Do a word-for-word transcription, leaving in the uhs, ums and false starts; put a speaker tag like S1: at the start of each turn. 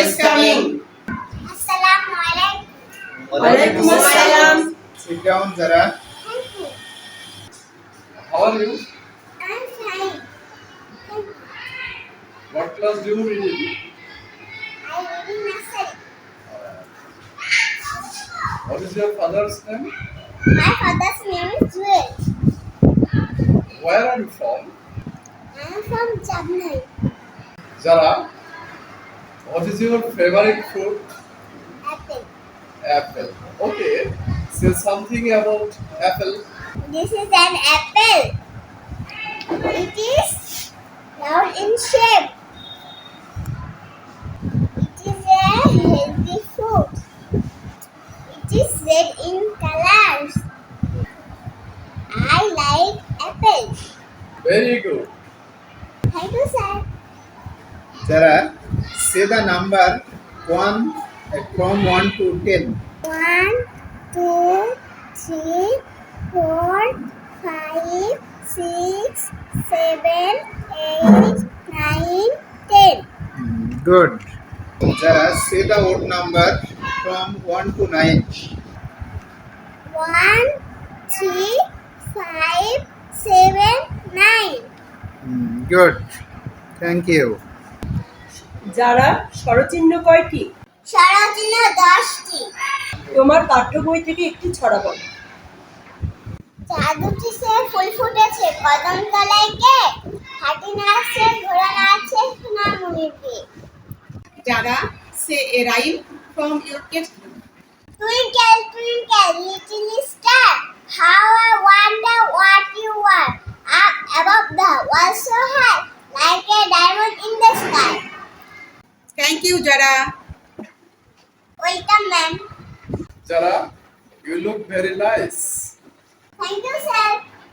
S1: is coming.
S2: Assalamu alaikum.
S1: Walaikum assalam.
S3: Sit down, Zara.
S2: Thank you.
S3: How are you?
S2: I'm fine. Thank you.
S3: What class do you read in?
S2: I live in nursery.
S3: What is your father's name?
S2: My father's name is Jewel.
S3: Where are you from?
S2: I am from Chennai.
S3: Zara, what is your favorite fruit?
S2: Apple.
S3: Apple. Okay. Say something about apple.
S2: This is an apple. It is round in shape. It is a healthy fruit. It is red in colors. I like apples.
S3: Very good.
S2: Thank you, sir.
S3: Zara, say the number one uh, from one to ten.
S2: One, two, three, four, five, six, seven, eight, nine, ten.
S3: Good. Zara, say the odd number from one to nine.
S2: One, three, five, seven, nine.
S3: Good. Thank you.
S1: যারা স্বরচিহ্ন কয়টি?
S2: স্বরচিহ্ন দশটি।
S1: তোমার পাঠ্য বই থেকে একটি ছড়া বলো।
S2: চাঁদ উঠেছে, ফুল ফুটেছে, কদম তলায় কে? হাতি নাচছে, ঘোড়া নাচছে, সোনার মণির কে?
S4: Dada, say a rhyme from your textbook.
S2: Twinkle, twinkle, little star, how I wonder what you are. Up above the world so high, like a diamond in the sky.
S4: Thank you, Dada.
S2: Welcome, ma'am.
S3: Zara, you look very nice.
S2: Thank you, sir.